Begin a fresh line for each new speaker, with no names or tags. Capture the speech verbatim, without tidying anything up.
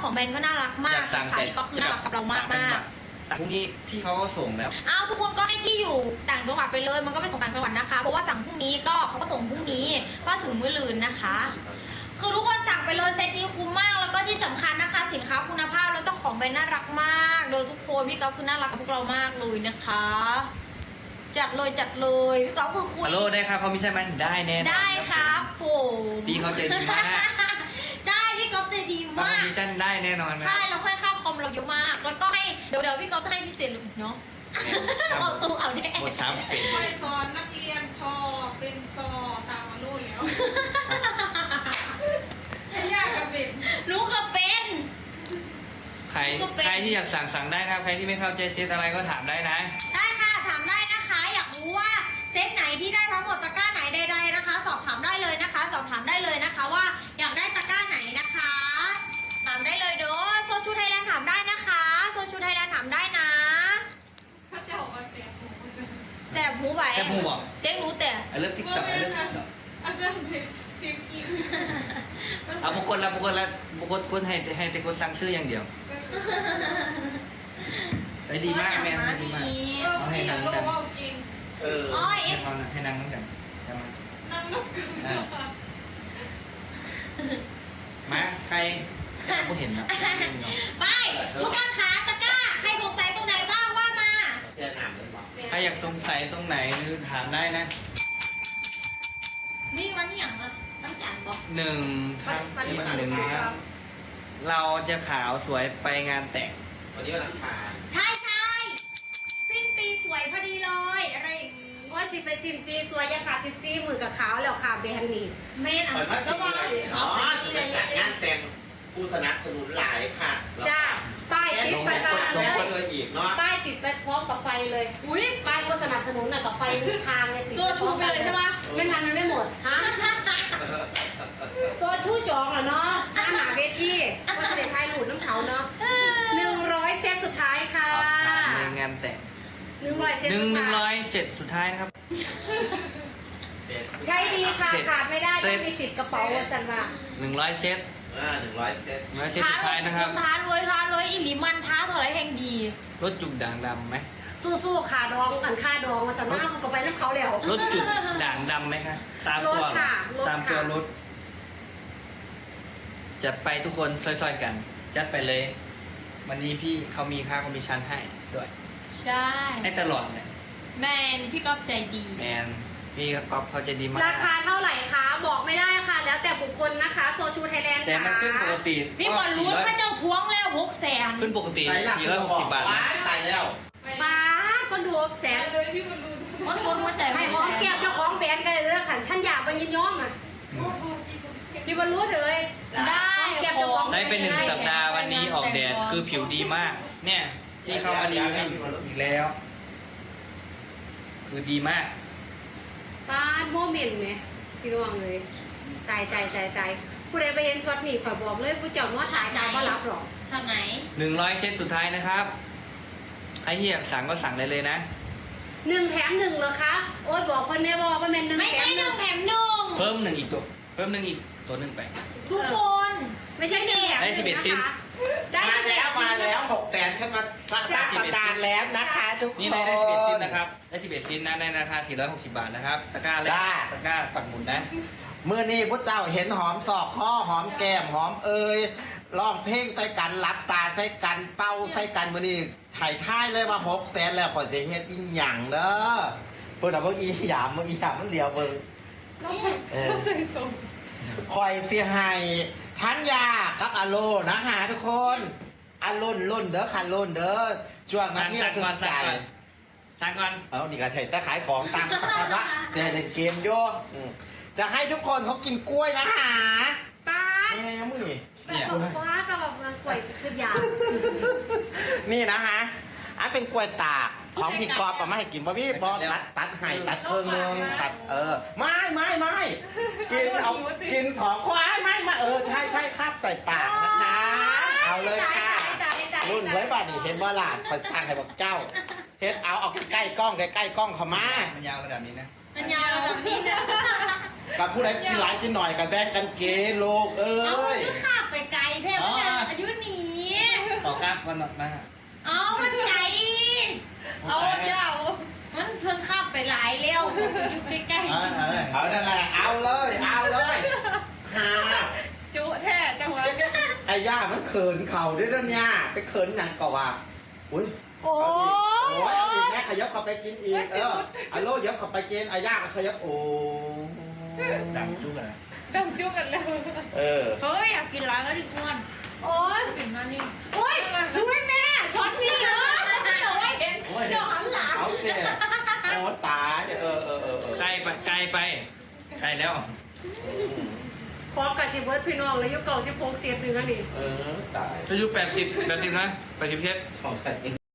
ของแบรนด์ก็น่ารักมากสั่งแต่ก็คือน่ารักกับเรามากมาก
แต่พรุ่งนี้พี่เขาก็ส่งแล้ว
อ้าวทุกคนก็ให้ที่อยู่ต่างจังหวัดไปเลยมันก็ไปส่งต่างจังหวัดนะคะเพราะว่าสั่งพรุ่งนี้ก็เขาก็ส่งพรุ่งนี้ก็ถึงมื้อลืนนะคะคือทุกคนสั่งไปเลยเซตนี้คุ้มมากแล้วก็ที่สำคัญนะคะสินค้าคุณภาพแล้วเจ้าของแบรนด์น่ารักมากโดยทุกคนพี่ก๊อฟคือน่ารักกับพวกเรามากเลยนะคะจัดเลยจัดเลยพี่ก๊อฟคือคุย
ฮัลโหลได้ครับเขาไม่ใช่มันได้แน่
ได้ครับผม
พี่เขาใจดีมาก
ใช่พี่ก๊อฟใจดีมาก
พี่จันได้แน่นอนนะ
ใช่เราให้ค่าคอมเราเยอะมากแล้วก็ให้เดี๋ยวเดี๋ยวพี่ก๊อฟจะให้พิเศษเลยเนาะเอาตู้เอาแน่
หมดสามเป็น
ไปสอนนักเรียนชอเป็นซอตามมาโน่นแล้วให้ยากกับเป็น
หนูก็เป็น
ใครใครที่อยากสั่งสั่งได้นะครับใครที่ไม่เข้าใจเซตอะไรก็ถามได้นะ
ได้ค่ะถามได้นะคะอยากรู้ว่าเซตไหนที่ได้ทั้งหมดตะกร้าไหนใดๆนะคะสอบถามได้เลยนะคะสอบถามได้เลยนะคะว่าอยากได้ตะกร้าไหนนะคะถามได้เลยเด้อโซชูไทยแลนด์ถามได้นะคะโซชูไทยแลนด์ถามได้นะ
ถ้าจะบอกว่าแสบหู
แสบหูไป
แสบหูบอก
เจ๊งรู้แต่
ไอ้เรื่องติ๊กต็อกไอ้เรื่องติ๊กต็อก
อันนั้นเสียงกิน
เอาบุคคลละบุคคลละบุคคลคนให้ให้แต่คนสั่งซื้ออย่างเดียวไปดีมากแมนดีมากเอาให้นั่งกันเออให้เขาให้นั่งนั่งกัน
นั่งนั่งกัน
มาใครผู้เห็นนะ
ไปทุกคนคะตะกร้าใครสงสัยตรงไหนบ้างว่ามา
ใครอยากสงสัยตรงไหนหรือถามได้นะ
นี่วันนี้อย่างตั้งจันบอก
หนึ่งทั้งหนึ่งครับเราจะขาวสวยไปงานแต่งวันนี้วันอังคาร
ใช่ใช่สิ้นปีสวยพอดีเลยอะไรอย่างนี้
ว่าสิเป็นสิ้นปีสวยยังขาดสิบสี่หมื่นกับขาวแล้วค่ะเบนนี่
เมนอ่ะ
ก็ว่าอ๋อจะเป็นจัดงานแต่งผู้สนับสนุนหลายค่ะ
จ้าป้ายติดไปบ้าน
เลยอีกเนาะ
ป้ายติดไปพร้อมกับไฟเลยอุ้ยป้ายผู้สนับสนุนน่ะกับไฟทางเนี่ยติด
โซชูไปเลยใช่ไหม
ไม่งั้นมันไม่หมดฮะโซชูจองเหรอเนาะหน้าหนาเวทีว่าจะได้ทายหลุดน้ำเขาเนาะหนึ่งร้อยเซตสุดท้ายค่ะ
ในงานแต่ง
หนึ่งร้อยเซต
หนึ่งหนึ่งร้อยเซตสุดท้ายนะครับ
ใช้ดีค่ะขาดไม่ได้ต้องมีติดกระเป๋าสันว่า
หนึ่งร้อยเซต
อ่าหนึ่งร้อยเซต
ร้อยเซตสุดท้ายนะครับ
ท้าเลยท้าเลยอิลิมันท้าถอยแห่งดี
รถจุกด่างดำไหม
สู้ๆขาดองกันค่าดองมาสันว่าก็ไปน้ำเขาแล้ว
รถจุกด่างดำไหมครับตามตัวตามตัวรถจัดไปทุกคนซอยๆกันจัดไปเลยวันนี้พี่เขามีค่าคอมมิชชั่นให้ด้วย
ใช่
ให้ตลอดเลย
แมนพี่ก๊อฟใจดี
แมนพี่ก๊อฟเขาใจดีมาก
ราคาเท่าไหร่คะบอกไม่ได้ค่ะแล้วแต่บุคคลนะคะโซชูไทยแลนด์
แต่มันขึ้นปกติ
พี่บอลรู้ว่าเจ้าท้วงแล้วหกแสน
ขึ้นปกติสี่ร้อยหกสิบบาท
ตายแล้ว
บ้าก็ดูแสน
เลยพี่คนดู
คนคนหัวใจ
ไม่ของเก็บเจ้าของแบรนด์กันเลยขันท่านอยากไปยินยอมอ่ะพี่บอลรู้เลย
ได้
ใช้เป็นหนึ่งสัปดาห์วันนี้ออกแดดคือผิวดีมากเนี่ยที่เข้ามารีวิวอีกแล้วคือดีมาก
ป้าโมเมนต์เนี่ยพี่น้องเลยตายใจใจใจผู้ใดไปเห็นช็อตนี่ขอบอกเลยผู้เจ้าว่าถ่ายดาวก็รับหรอก
ช็อตไหน
หนึ่งร้อยเซตสุดท้ายนะครับไอ้ที่อยากสั่งก็สั่งได้เลยนะ
หนึ่งแถมหนึ่งเหรอคะโอ๊ยบอกคนนี้บอกว่าเป็นหนึ่ง
ไม่ใช่หนึ่งแถมหนึ่ง
เพิ่มหนึ่งอีกตัวเพิ่มหนึ่งอีกตัวหนึ่งไป
ทุกคน
ไม่ใช่เด็ก
ได้สิบเอ็ดซิม
มาแล้วมาแล้วหกแสนฉันมาสร้างตำนานแล้วนะคะทุกคน
นี่ได้สิบเอ็ดซิมนะครับได้สิบเอ็ดซิมนะในราคาสี่ร้อยหกสิบบาทนะครับตะกร้าเลยตะกร้าปักหมุนนะ
เมื่อนี้พระเจ้าเห็นหอมศอกข้อหอมแก้มหอมเอ่ยร้องเพลงใส่กันรับตาใส่กันเป้าใส่กันมื่อนี้ถ่ายท้ายเลยว่าหกแสนแล้วขอเสียเฮ็ดอีหยังเด้อเพิ่นเอาพวกอีหยามอีหยามมันเหลียวเบิ่ง
เออใส่ส่ง
คอยเสียหายทันยากับอโลนะฮะทุกคนอโลนล้นเด้อคันล้นเด้อช่วงนั้นที่เราตื่นใจ
สั่งก่อน
เอานี่ก็ใส่ตะขายของสั่งสักว่าเสียเล่นเกมโยจะให้ทุกคนเขากินกล้วยนะฮะ
ป้า
แม่มึงนี่
เนี่ยป้าก็บอกเงินกล้วยคือยา
นี่นะฮะอันเป็นกล้วยตากของพี่กอบก็ไม่ให้กินเพราะพี่บอตัดตัดให้ตัดเครื่องนึงตัดเออไม่ไม่ไม่กินเอากินสองควายไม่ไม่เออใช่ใช่ครับใส่ปากนะคะเอาเลยค่ะรุ่นไว้บ้านนี่เห็นว่าหลานคอยสร้างให้บอกเจ้าเฮ็ดเอาเอาใกล้ๆกล้องใกล้ๆกล้องเขามา
มันยาวระดับนี้นะ
มันยาวระดับนี้นะ
กับผู้ใดกินหลายกินหน่อยกับแบ่งกันเกโลกเอ้
ยเอาคือขาดไปไกลแทบจะอายุหนี
ครับวันมา
เอามันใจ
เอายาว
มันเพิ่งข้ามไปหลายเร็วอยู่ใกล้
เอาเอาเลย
เอานั่นแหละเอาเลยเอาเลยหา
จุแท้จังหวะ
ไอ้ย่ามันเขินเข่าด้วยนะเนี่ยไปเขินหนังก่อว่าอุ้ย
ๆ โอ้
เอาอีกโอ้ยเอาอีกแม่ขยับเข้าไปกินอีกเอออะโลยับเข้าไปกินไอ้ย่าก็ขยับโอ้
จังจุกอะ
ดังจุกันแล้ว
เออ
เฮ้ยอยากกินร้านก็ดิกวนโอ้ยกินมานี่โอ้ยดูให้แม่ช้อนนี่เลยเจ้าไม่เห็นเจ้าหันหลัง
เอาเจ๊โอ้ตายเออเออเออเออ
ไกลไปไกลไปไกลแล้ว
ขอกับสิเบิร์ดพี่น้องเลยยุคเก่าสิบหกเสียบหนึ่งอันนี้
เออตาย
อายุแปดสิบแปดสิบนะแปดสิบเจ็ด
ของใส่